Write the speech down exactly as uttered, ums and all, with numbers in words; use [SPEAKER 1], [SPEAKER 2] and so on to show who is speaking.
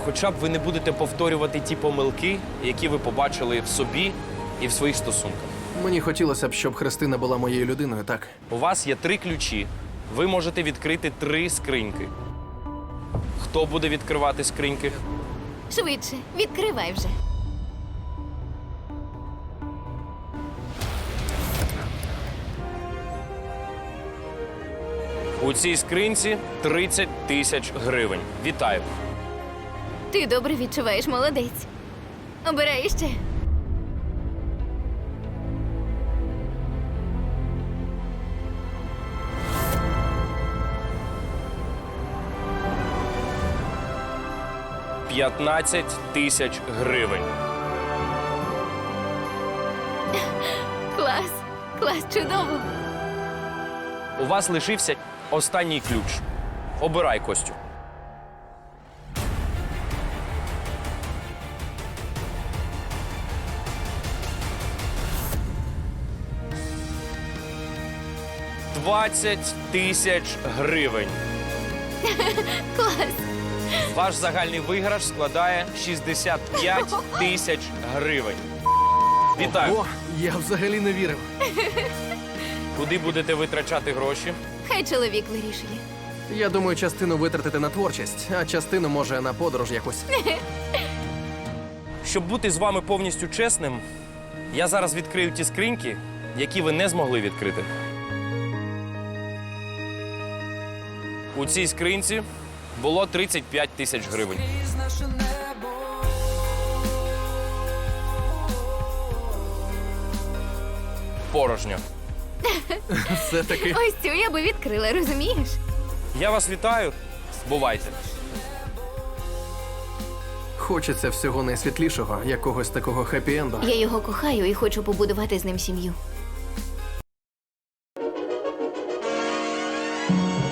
[SPEAKER 1] хоча б ви не будете повторювати ті помилки, які ви побачили в собі і в своїх стосунках.
[SPEAKER 2] Мені хотілося б, щоб Христина була моєю людиною, так?
[SPEAKER 1] У вас є три ключі. Ви можете відкрити три скриньки. Хто буде відкривати скриньки?
[SPEAKER 3] Швидше, відкривай вже.
[SPEAKER 1] У цій скринці тридцять тисяч гривень. Вітаю.
[SPEAKER 3] Ти добре відчуваєш, молодець. Обирай ще.
[SPEAKER 1] п'ятнадцять тисяч гривень.
[SPEAKER 3] Клас, клас, чудово.
[SPEAKER 1] У вас лишився останній ключ. Обирай, Костю. двадцять тисяч гривень.
[SPEAKER 3] Клас.
[SPEAKER 1] Ваш загальний виграш складає шістдесят п'ять тисяч гривень. Вітаю.
[SPEAKER 2] О, я взагалі не вірив.
[SPEAKER 1] Куди будете витрачати гроші?
[SPEAKER 3] Хай чоловік вирішує.
[SPEAKER 2] Я думаю, частину витратити на творчість, а частину, може, на подорож якусь.
[SPEAKER 1] Щоб бути з вами повністю чесним, я зараз відкрию ті скриньки, які ви не змогли відкрити. У цій скринці було тридцять п'ять тисяч гривень. Порожньо.
[SPEAKER 2] Все-таки.
[SPEAKER 3] Ось цю я би відкрила, розумієш?
[SPEAKER 1] Я вас вітаю. Бувайте.
[SPEAKER 2] Хочеться всього найсвітлішого, якогось такого хеппі-енду.
[SPEAKER 3] Я його кохаю і хочу побудувати з ним сім'ю.